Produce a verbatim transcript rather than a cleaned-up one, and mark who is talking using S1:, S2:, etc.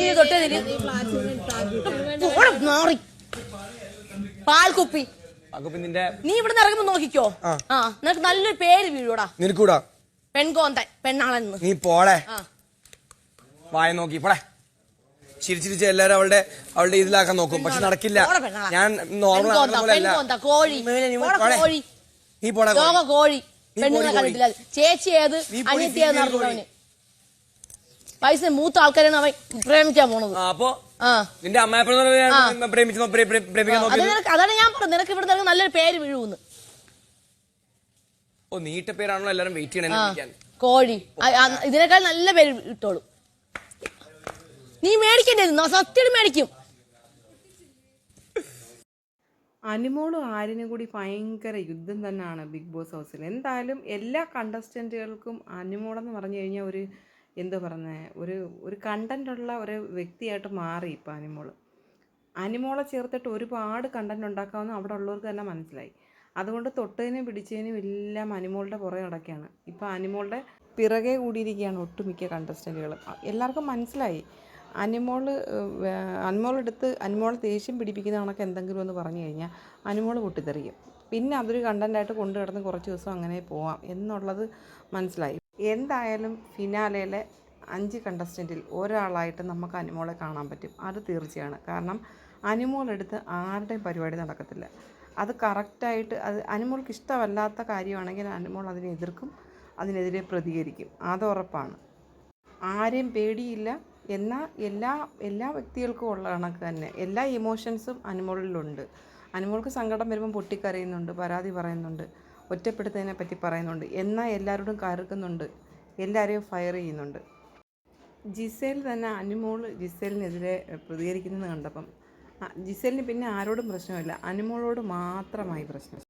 S1: നീ തൊട്ടേ മാറി പാൽക്കുപ്പി നീ ഇവിടെ ഇറങ്ങുമ്പോ നോക്കിക്കോ. ആ നിനക്ക് നല്ലൊരു പേര് വീഴൂടാ.
S2: നിനക്കൂടാ
S1: പെൺകോന്തൻ പെണ്ണാളെന്ന്.
S2: നീ പോളെ വായ നോക്കി പോളെ. ചിരിച്ചിരിച്ച് എല്ലാരും അവളുടെ അവളുടെ ഇതിലാക്കാൻ നോക്കും, പക്ഷെ നടക്കില്ല. ഞാൻ
S1: കോഴി
S2: നീ പോടാ
S1: കോഴി പെണ്ണുങ്ങളെ കണ്ടിട്ടില്ല. ചേച്ചി ഏത് അനിയത്തി ഏത് നടത്തുന്നവന് പൈസ മൂത്ത ആൾക്കാരാണ് അവൻ പ്രേമിക്കാൻ പോണത്.
S2: അപ്പൊ നിന്റെ അമ്മയെ
S1: അതാണ് ഞാൻ പറഞ്ഞത്, നിനക്ക് ഇവിടെ നല്ലൊരു പേര് വീഴുന്ന്.
S2: ഓ നീട്ട പേരാണല്ലോ എല്ലാരും വെയിറ്റ് ചെയ്യണേ.
S1: കോഴി ഇതിനേക്കാൾ നല്ല പേര് ഇട്ടോളൂ. നീ മേടിക്കണ്ടേ? സത്യം മേടിക്കും.
S3: അനുമോളും ആര്യനും കൂടി ഭയങ്കര യുദ്ധം തന്നെയാണ് ബിഗ് ബോസ് ഹൗസിൽ. എന്തായാലും എല്ലാ കണ്ടസ്റ്റൻറ്റുകൾക്കും അനുമോളെന്ന് പറഞ്ഞു കഴിഞ്ഞാൽ ഒരു എന്താ പറയുന്നത്, ഒരു ഒരു കണ്ടൻ്റുള്ള ഒരു വ്യക്തിയായിട്ട് മാറി ഇപ്പോൾ അനുമോൾ. അനുമോളെ ചേർത്തിട്ട് ഒരുപാട് കണ്ടൻറ് ഉണ്ടാക്കാമെന്ന് അവിടെ ഉള്ളവർക്ക് തന്നെ മനസ്സിലായി. അതുകൊണ്ട് തൊട്ടതിനും പിടിച്ചതിനും എല്ലാം അനുമോളുടെ പുറകെ നടക്കുകയാണ്. ഇപ്പോൾ അനുമോളുടെ പിറകെ കൂടിയിരിക്കുകയാണ് ഒട്ടുമിക്ക കണ്ടസ്റ്റൻറ്റുകൾ. എല്ലാവർക്കും മനസ്സിലായി അനുമോൾ അനുമോളെടുത്ത് അനുമോളെ ദേഷ്യം പിടിപ്പിക്കുന്ന കണക്ക് എന്തെങ്കിലും എന്ന് പറഞ്ഞു കഴിഞ്ഞാൽ അനുമോൾ പൊട്ടിത്തെറിയും. പിന്നെ അതൊരു കണ്ടൻ്റായിട്ട് കൊണ്ടു കിടന്ന് കുറച്ച് ദിവസം അങ്ങനെ പോവാം എന്നുള്ളത് മനസ്സിലായി. എന്തായാലും ഫിനാലയിലെ അഞ്ച് കണ്ടസ്റ്റൻറ്റിൽ ഒരാളായിട്ട് നമുക്ക് അനുമോളെ കാണാൻ പറ്റും, അത് തീർച്ചയാണ്. കാരണം അനുമോളെടുത്ത് ആരുടെയും പരിപാടി നടക്കത്തില്ല. അത് കറക്റ്റായിട്ട് അത് അനുമോൾക്ക് ഇഷ്ടമല്ലാത്ത കാര്യമാണെങ്കിൽ അനുമോൾ അതിനെ എതിർക്കും, അതിനെതിരെ പ്രതികരിക്കും, അത് ഉറപ്പാണ്. ആരെയും പേടിയില്ല. എന്നാൽ എല്ലാ എല്ലാ വ്യക്തികൾക്കും ഉള്ള കണക്ക് തന്നെ എല്ലാ ഇമോഷൻസും അനുമോളിലുണ്ട്. അനുമോൾക്ക് സങ്കടം വരുമ്പം പൊട്ടിക്കരയുന്നുണ്ട്, പരാതി പറയുന്നുണ്ട്, ഒറ്റപ്പെടുത്തതിനെ പറ്റി പറയുന്നുണ്ട്, എന്നാൽ എല്ലാവരോടും കയറുക്കുന്നുണ്ട്, എല്ലാവരെയും ഫയർ ചെയ്യുന്നുണ്ട്. ജിസേൽ തന്നെ അനുമോൾ ജിസേലിനെതിരെ പ്രതികരിക്കുന്നത് കണ്ടപ്പം ജിസേലിന് പിന്നെ ആരോടും പ്രശ്നമില്ല, അനുമോളോട് മാത്രമായി പ്രശ്നം.